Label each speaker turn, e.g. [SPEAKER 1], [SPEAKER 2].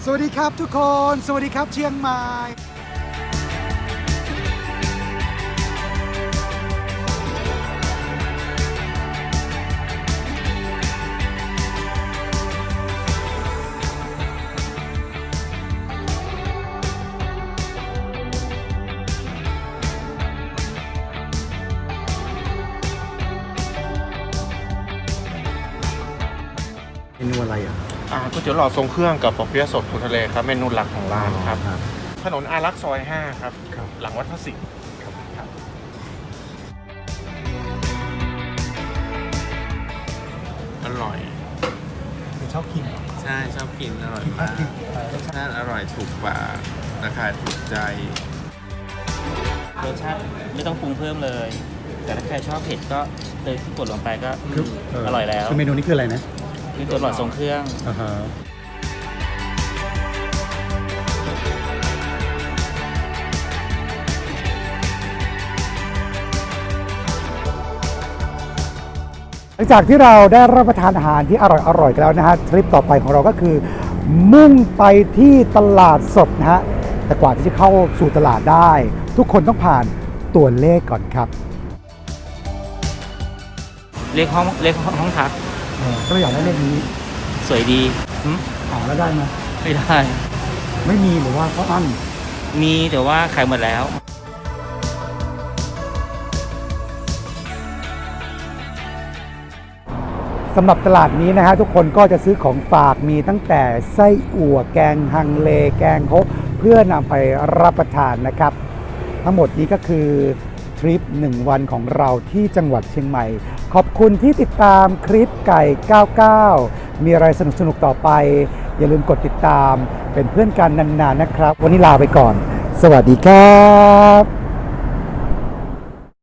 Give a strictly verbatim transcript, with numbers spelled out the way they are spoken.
[SPEAKER 1] สวัสดีครับทุกคนสวัสดีครับเชียงใหม่เมนูอะไรอ่ะ
[SPEAKER 2] อ่าก๋วยเตี๋ยวหลอดทรงเครื่องกับปอเปี๊ยะสดปูทะเลครับเมนูหลักของร้านครับถนนอารักษ์ซอยห้าครับหลังวัดพระสิงห์ครับอร่อย
[SPEAKER 1] ชอบกิน
[SPEAKER 3] ใช่ชอบกินอร่อยมากรสชาติอร่อยถูกปากราคาถูกใจ
[SPEAKER 4] รสชาติไม่ต้องปรุงเพิ่มเลย แต่ถ้าใครชอบเผ็ดก็เติมที่กดลงไปก็อร่อยแล้ว
[SPEAKER 1] คือเมนูนี้คืออะไรนะ
[SPEAKER 4] คือตัวหลอดทรงเครื่อง
[SPEAKER 1] อ่าฮะหลังจากที่เราได้รับประทานอาหารที่อร่อยๆกันแล้วนะฮะทริปต่อไปของเราก็คือมุ่งไปที่ตลาดสดนะฮะแต่กว่าที่จะเข้าสู่ตลาดได้ ทุกคนต้องผ่านตัวเลขก่อนครับ
[SPEAKER 4] เรียกห้องเรียกห้องพัก
[SPEAKER 1] ก็เลยอยากได้เลขนี้
[SPEAKER 4] สวยดี
[SPEAKER 1] หาแล้วได้ไหม
[SPEAKER 4] ไม่ได้
[SPEAKER 1] ไม่มีหรือว่าเขาอั้น
[SPEAKER 4] มีแต่ว่าขายหมดแล้ว
[SPEAKER 1] สำหรับตลาดนี้นะฮะทุกคนก็จะซื้อของฝากมีตั้งแต่ไส้อั่วแกงฮังเลแกงฮกเพื่อนำไปรับประทานนะครับทั้งหมดนี้ก็คือทริปหนึ่งวันของเราที่จังหวัดเชียงใหม่ขอบคุณที่ติดตามคลิปไก่เก้าเก้ามีอะไรสนุกๆต่อไปอย่าลืมกดติดตามเป็นเพื่อนกันนานๆนะครับวันนี้ลาไปก่อนสวัสดีครับ